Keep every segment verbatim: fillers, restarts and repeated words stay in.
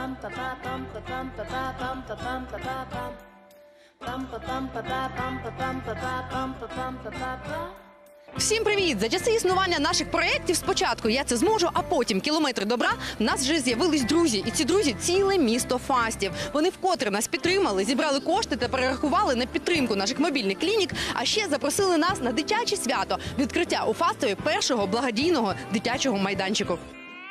Всім привіт! За часи існування наших проєктів спочатку «Я це зможу», а потім «Кілометри добра» в нас вже з'явились друзі. І ці друзі – ціле місто Фастів. Вони вкотре нас підтримали, зібрали кошти та перерахували на підтримку наших мобільних клінік, а ще запросили нас на дитяче свято – відкриття у Фастові першого благодійного дитячого майданчику.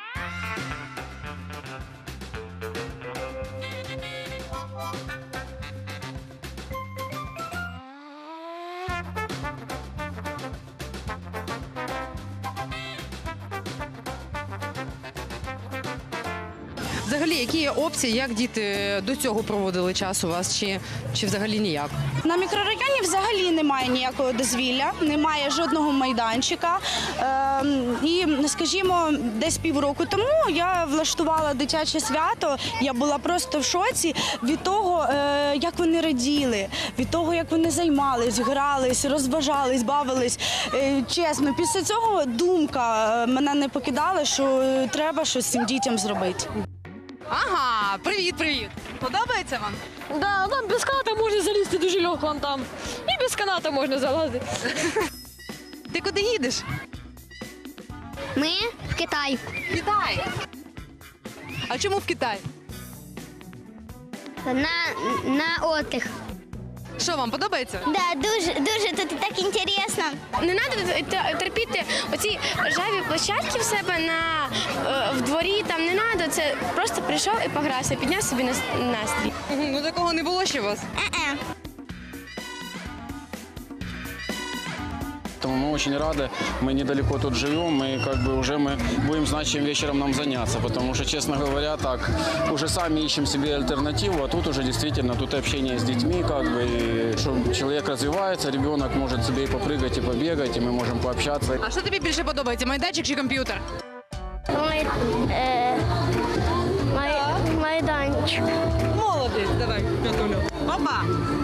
Взагалі, які є опції, як діти до цього проводили час у вас, чи, чи взагалі ніяк? На мікрорайоні взагалі немає ніякого дозвілля, немає жодного майданчика. Е, і, скажімо, десь півроку тому я влаштувала дитяче свято. Я була просто в шоці від того, е, як вони раділи, від того, як вони займались, грались, розважались, бавились. Е, чесно, після цього думка мене не покидала, що треба щось з цим дітям зробити. Ага, привіт-привіт! Подобається вам? Да, там без каната можна залізти дуже легко там. І без каната можна залазити. Ти куди їдеш? Ми в Китай. В Китай. А чому в Китай? На, на отдых. Що, вам подобається? Да, дуже, дуже тут так інтересно. Не треба терпіти оці ржаві площадки в себе на е, в дворі. Там не треба. Це просто прийшов і погрався, підняв собі настрій. Ну такого не було ще у вас? Е-е. Поэтому мы очень рады, мы недалеко тут живем, и как бы уже мы будем знать, чем вечером нам заняться, потому что, честно говоря, так, уже сами ищем себе альтернативу, а тут уже действительно, тут и общение с детьми, как бы, и, что человек развивается, ребенок может себе и попрыгать, и побегать, и мы можем пообщаться. А що тобі більше подобається, майданчик чи комп'ютер? Май, е, май, майданчик. Молодець, давай, Петулю. Опа!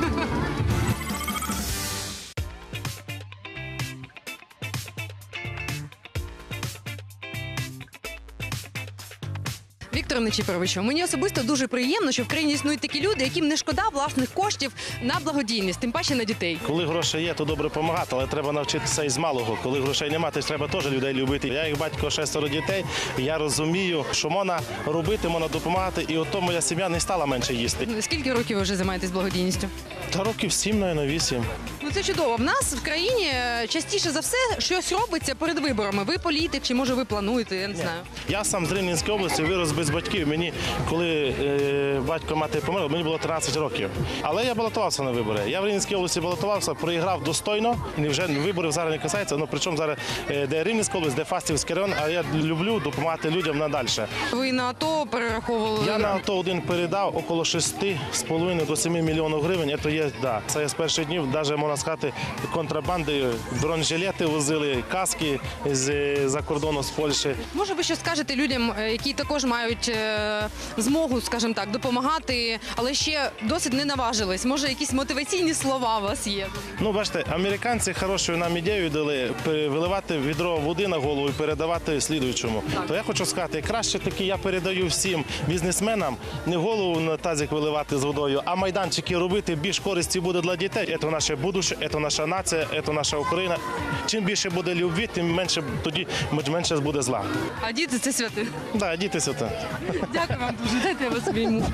Віктор Нечіпоровичу, мені особисто дуже приємно, що в країні існують такі люди, яким не шкода власних коштів на благодійність, тим паче на дітей. Коли гроші є, то добре допомагати, але треба навчитися із малого. Коли грошей немає, то треба теж людей любити. Я як батько шестеро дітей, я розумію, що можна робити, можна допомагати, і ото моя сім'я не стала менше їсти. Скільки років ви вже займаєтесь благодійністю? Та років сім, навіть, вісім. Ну це чудово. В нас в країні частіше за все щось робиться перед виборами. Ви політик, чи може ви плануєте, я не знаю. Я сам з Рівненської області вирос без батьків. Мені, коли е, батько мати померла, мені було тринадцять років. Але я балотувався на вибори. Я в Рівненській області балотувався, проіграв достойно. І вже виборів зараз не касається. Ну, причому зараз е, де Рівненська область, де Фастівський район, а я люблю допомагати людям надальше. Ви на АТО перераховували? Я на АТО один передав около шести з половиною до семи мільйонів гривень. Це є, да. Це я з перших днів, навіть можна сказати, контрабандою. Бронежилети возили, каски з-за кордону, з Польщі. Може, ви що скажете людям, які також мають е, змогу, скажімо так, допомагати, але ще досить не наважились? Може, якісь мотиваційні слова у вас є? Ну, бачите, американці хорошу нам ідею дали виливати відро води на голову і передавати слідуючому. Так. То я хочу сказати, краще таки я передаю всім бізнесменам не голову на тазик виливати з водою, а майданчики робити, більш користі буде для дітей. Це наше будуще, це наша нація, це наша Україна. Чим більше буде любві, тим менше тоді менше буде зла. А діти – це святи. Так, да, діти святи. Дякую вам дуже. Дайте я вас обійму.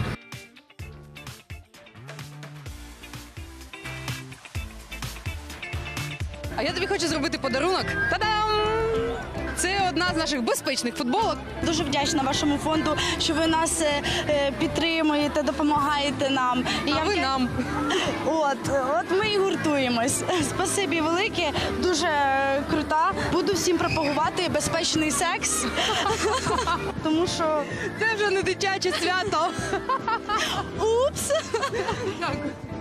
А я тобі хочу зробити подарунок. Та-дам! Це одна з наших безпечних футболок. Дуже вдячна вашому фонду, що ви нас е, підтримуєте, допомагаєте нам. І А я ви вдя- нам. От, от ми і гуртуємось. Спасибі велике, дуже крута. Буду всім пропагувати безпечний секс, тому що Це вже не дитяче свято. упс. Дякую.